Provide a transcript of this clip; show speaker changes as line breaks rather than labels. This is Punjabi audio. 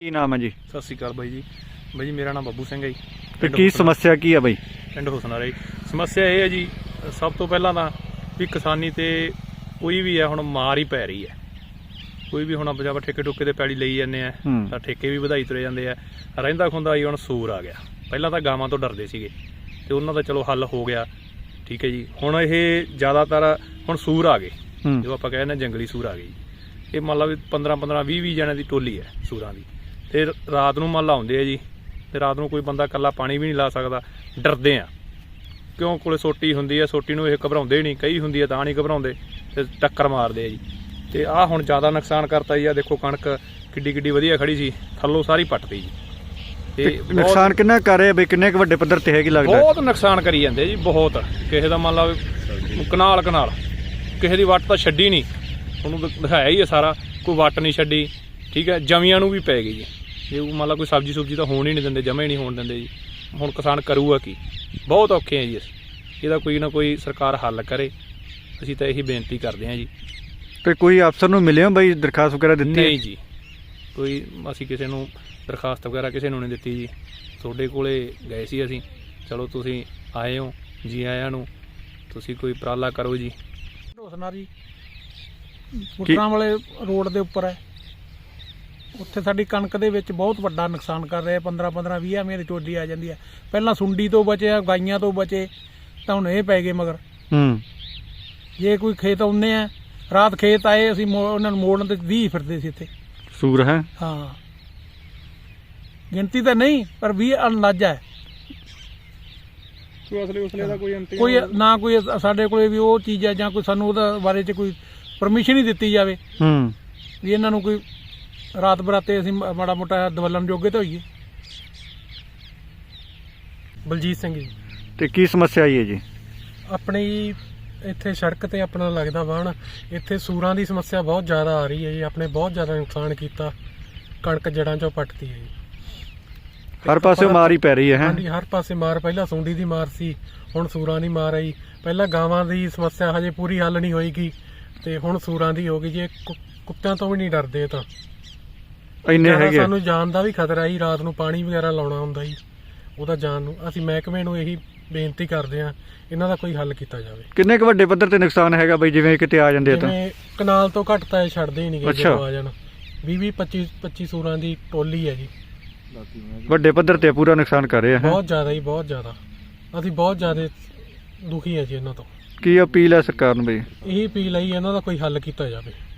ਕੀ ਨਾਮ ਹੈ ਜੀ?
ਸਤਿ ਸ਼੍ਰੀ ਅਕਾਲ ਬਾਈ ਜੀ ਮੇਰਾ ਨਾਮ ਬੱਬੂ ਸਿੰਘ ਹੈ ਜੀ।
ਤੇ ਕੀ ਸਮੱਸਿਆ ਕੀ ਹੈ ਬਾਈ?
ਪਿੰਡ ਹੁਸਨਾਰਾ ਜੀ। ਸਮੱਸਿਆ ਇਹ ਹੈ ਜੀ, ਸਭ ਤੋਂ ਪਹਿਲਾਂ ਤਾਂ ਵੀ ਕਿਸਾਨੀ ਤੇ ਕੋਈ ਵੀ ਹੈ ਹੁਣ ਮਾਰ ਹੀ ਪੈ ਰਹੀ ਹੈ। ਕੋਈ ਵੀ ਹੁਣ ਆਪਾਂ ਠੇਕੇ ਠੁਕੇ ਤੇ ਪੈਲੀ ਲਈ ਜਾਂਦੇ ਆ ਤਾਂ ਠੇਕੇ ਵੀ ਵਧਾਈ ਤੁਰੇ ਜਾਂਦੇ ਆ। ਰਹਿੰਦਾ ਖੁੰਦਾ ਜੀ ਹੁਣ ਸੂਰ ਆ ਗਿਆ। ਪਹਿਲਾਂ ਤਾਂ ਗਾਵਾਂ ਤੋਂ ਡਰਦੇ ਸੀਗੇ ਤੇ ਉਹਨਾਂ ਦਾ ਚਲੋ ਹੱਲ ਹੋ ਗਿਆ, ਠੀਕ ਹੈ ਜੀ। ਹੁਣ ਇਹ ਜ਼ਿਆਦਾਤਰ ਹੁਣ ਸੂਰ ਆ ਗਏ, ਜੋ ਆਪਾਂ ਕਹਿੰਦੇ ਜੰਗਲੀ ਸੂਰ ਆ ਗਏ ਜੀ। ਇਹ ਮੰਨ ਲਾ ਵੀ 15-15 20-20 ਜਣਿਆਂ ਦੀ ਟੋਲੀ ਹੈ ਸੂਰਾਂ ਦੀ। ਤੇ ਰਾਤ ਨੂੰ ਮੰਨ ਲਾ ਆਉਂਦੇ ਆ ਜੀ, ਤੇ ਰਾਤ ਨੂੰ ਕੋਈ ਬੰਦਾ ਇਕੱਲਾ ਪਾਣੀ ਵੀ ਨਹੀਂ ਲਾ ਸਕਦਾ। ਡਰਦੇ ਆ ਕਿਉਂ, ਕੋਲੇ ਸੋਟੀ ਹੁੰਦੀ ਆ, ਸੋਟੀ ਨੂੰ ਇਹ ਘਬਰਾਉਂਦੇ ਨਹੀਂ, ਕਈ ਹੁੰਦੀ ਆ ਤਾਂ ਨਹੀਂ ਘਬਰਾਉਂਦੇ ਤੇ ਟੱਕਰ ਮਾਰਦੇ ਆ ਜੀ। ਤੇ ਆਹ ਹੁਣ ਜ਼ਿਆਦਾ ਨੁਕਸਾਨ ਕਰਤਾ ਜੀ। ਆ ਦੇਖੋ ਕਣਕ ਕਿੱਡੀ ਕਿੱਡੀ ਵਧੀਆ ਖੜੀ ਸੀ, ਥੱਲੋਂ ਸਾਰੀ ਪੱਟਤੀ ਜੀ। ਤੇ
ਨੁਕਸਾਨ ਕਿੰਨਾ ਕਰ ਰਹੇ ਬਈ? ਕਿੰਨੇ ਕੁ ਵੱਡੇ ਪੱਧਰ ਤੇ ਹੈਗੀ ਲੱਗਦਾ?
ਬਹੁਤ ਨੁਕਸਾਨ ਕਰੀ ਜਾਂਦੇ ਜੀ, ਬਹੁਤ। ਕਿਸੇ ਦਾ ਮੰਨ ਲਾ ਕਨਾਲ ਕਿਸੇ ਦੀ ਵੱਟ ਤਾਂ ਛੱਡੀ ਨਹੀਂ, ਉਹਨੂੰ ਦਿਖਾਇਆ ਹੀ ਹੈ ਸਾਰਾ, ਕੋਈ ਵੱਟ ਨਹੀਂ ਛੱਡੀ, ਠੀਕ ਹੈ। ਜਮੀਆਂ ਨੂੰ ਵੀ ਪੈ ਗਈ ਜੀ। ਜੇ ਮੰਨ ਲਾ ਕੋਈ ਸਬਜ਼ੀ ਸੁਬਜ਼ੀ ਤਾਂ ਹੋਣ ਹੀ ਨਹੀਂ ਦਿੰਦੇ, ਜਮਾ ਹੀ ਨਹੀਂ ਹੋਣ ਦਿੰਦੇ ਜੀ। ਹੁਣ ਕਿਸਾਨ ਕਰੂਗਾ ਕੀ? ਬਹੁਤ ਔਖੇ ਆ ਜੀ। ਇਹਦਾ ਕੋਈ ਨਾ ਕੋਈ ਸਰਕਾਰ ਹੱਲ ਕਰੇ, ਅਸੀਂ ਤਾਂ ਇਹੀ ਬੇਨਤੀ ਕਰਦੇ ਹਾਂ ਜੀ।
ਤੇ ਕੋਈ ਅਫਸਰ ਨੂੰ ਮਿਲੇ ਹੋ ਬਈ, ਦਰਖਾਸਤ ਵਗੈਰਾ ਦਿੱਤੀ?
ਨਹੀਂ ਜੀ, ਕੋਈ ਅਸੀਂ ਕਿਸੇ ਨੂੰ ਦਰਖਾਸਤ ਵਗੈਰਾ ਕਿਸੇ ਨੂੰ ਨਹੀਂ ਦਿੱਤੀ ਜੀ। ਤੁਹਾਡੇ ਕੋਲੇ ਗਏ ਸੀ ਅਸੀਂ, ਚਲੋ ਤੁਸੀਂ ਆਏ ਹੋ, ਜੀ ਆਇਆਂ ਨੂੰ। ਤੁਸੀਂ ਕੋਈ ਉਪਰਾਲਾ ਕਰੋ ਜੀ।
ਹੁਸਨਾਰਾ ਜੀ ਪੁੱਟਰਾਂ ਵਾਲੇ ਰੋਡ ਦੇ ਉੱਪਰ ਹੈ। ਉੱਥੇ ਸਾਡੀ ਕਣਕ ਦੇ ਵਿੱਚ ਬਹੁਤ ਵੱਡਾ ਨੁਕਸਾਨ ਕਰ ਰਿਹਾ। 15-15 20 ਐਵੇਂ ਦੀ ਟੋਲੀ ਆ ਜਾਂਦੀ ਹੈ। ਪਹਿਲਾਂ ਸੁੰਡੀ ਤੋਂ ਬਚੇ, ਗਾਈਆਂ ਤੋਂ ਬਚੇ, ਤਾਂ ਹੁਣ ਇਹ ਪੈ ਗਏ ਮਗਰ। ਜੇ ਕੋਈ ਖੇਤ ਆਉਂਦੇ ਆ, ਰਾਤ ਖੇਤ ਆਏ, ਅਸੀਂ ਉਹਨਾਂ ਨੂੰ ਮੋੜਨ ਤੇ 20 ਫਿਰਦੇ ਸੀ ਇੱਥੇ
ਸੂਰ ਹੈ।
ਹਾਂ, ਗਿਣਤੀ ਤਾਂ ਨਹੀਂ ਪਰ 20 ਅੰਦਾਜ਼ਾ ਹੈ।
ਉਸਲੇ ਦਾ
ਕੋਈ ਨਾ ਕੋਈ ਸਾਡੇ ਕੋਲੇ ਵੀ ਉਹ ਚੀਜ਼ ਹੈ, ਜਾਂ ਕੋਈ ਸਾਨੂੰ ਉਹਦਾ ਬਾਰੇ 'ਚ ਕੋਈ ਪਰਮਿਸ਼ਨ ਹੀ ਦਿੱਤੀ ਜਾਵੇ ਵੀ ਇਹਨਾਂ ਨੂੰ ਕੋਈ ਰਾਤ ਬਰਾਤੇ ਅਸੀਂ ਮਾੜਾ ਮੋਟਾ ਦਵਲਣ ਜੋਗੇ ਤਾਂ ਹੋਈਏ।
ਬਲਜੀਤ ਸਿੰਘ ਜੀ।
ਤੇ ਕੀ ਸਮੱਸਿਆ ਆਈ ਹੈ ਜੀ?
ਆਪਣੀ ਇੱਥੇ ਸੜਕ ਤੇ ਆਪਣਾ ਲੱਗਦਾ ਵਾਹਣ, ਇੱਥੇ ਸੂਰਾਂ ਦੀ ਸਮੱਸਿਆ ਬਹੁਤ ਜ਼ਿਆਦਾ ਆ ਰਹੀ ਹੈ ਜੀ। ਆਪਣੇ ਬਹੁਤ ਜ਼ਿਆਦਾ ਨੁਕਸਾਨ ਕੀਤਾ, ਕਣਕ ਜੜਾਂ ਚੋਂ ਪੱਟਦੀ ਹੈ ਜੀ।
ਹਰ ਪਾਸੇ ਮਾਰ ਹੀ ਪੈ ਰਹੀ ਹੈ।
ਹਾਂਜੀ, ਹਰ ਪਾਸੇ ਮਾਰ। ਪਹਿਲਾਂ ਸੁੰਡੀ ਦੀ ਮਾਰ ਸੀ, ਹੁਣ ਸੂਰਾਂ ਦੀ ਮਾਰ ਆਈ। ਪਹਿਲਾਂ ਗਾਵਾਂ ਦੀ ਸਮੱਸਿਆ ਹਜੇ ਪੂਰੀ ਹੱਲ ਨਹੀਂ ਹੋਏਗੀ, ਤੇ ਹੁਣ ਸੂਰਾਂ ਦੀ ਹੋ ਗਈ ਜੀ। ਕੁੱਤਿਆਂ ਤੋਂ ਵੀ ਨਹੀਂ ਡਰਦੇ ਤਾਂ
ਇੰਨੇ ਹੈਗੇ।
ਸਾਨੂੰ ਜਾਨ ਦਾ ਵੀ ਖਤਰਾ ਜੀ। ਰਾਤ ਨੂੰ ਪਾਣੀ ਵਗੈਰਾ ਲਾਉਣਾ ਹੁੰਦਾ ਜੀ, ਉਹਦਾ ਜਾਨ ਨੂੰ। ਅਸੀਂ ਮਹਿਕਮੇ ਨੂੰ ਇਹੀ ਬੇਨਤੀ ਕਰਦੇ ਹਾਂ, ਇਹਨਾਂ ਦਾ ਕੋਈ ਹੱਲ ਕੀਤਾ ਜਾਵੇ।
ਕਿੰਨੇ ਕੁ ਵੱਡੇ ਪੱਧਰ ਤੇ ਨੁਕਸਾਨ ਹੈਗਾ ਬਈ, ਜਿਵੇਂ ਕਿਤੇ ਆ ਜਾਂਦੇ ਤਾਂ?
ਜਿਵੇਂ ਕਨਾਲ ਤੋਂ ਘੱਟ ਤਾਂ ਇਹ ਛੱਡਦੇ ਹੀ ਨਹੀਂ ਗਏ। ਜਦੋਂ ਆ ਜਾਣ 20-25 ਸੂਰਾਂ ਦੀ ਟੋਲੀ ਹੈ ਜੀ।
ਵੱਡੇ ਪੱਧਰ ਤੇ ਪੂਰਾ ਨੁਕਸਾਨ ਕਰ ਰਹੇ ਆ।
ਬਹੁਤ ਜ਼ਿਆਦਾ ਜੀ, ਬਹੁਤ ਜ਼ਿਆਦਾ। ਅਸੀਂ ਬਹੁਤ ਜ਼ਿਆਦਾ ਦੁਖੀ ਹੈ ਜੀ ਇਹਨਾਂ ਤੋਂ।
ਕੀ ਅਪੀਲ ਹੈ ਸਰਕਾਰ ਨੂੰ ਬਈ?
ਇਹੀ ਅਪੀਲ ਹੈ ਜੀ, ਇਹਨਾਂ ਦਾ ਕੋਈ ਹੱਲ ਕੀਤਾ ਜਾਵੇ।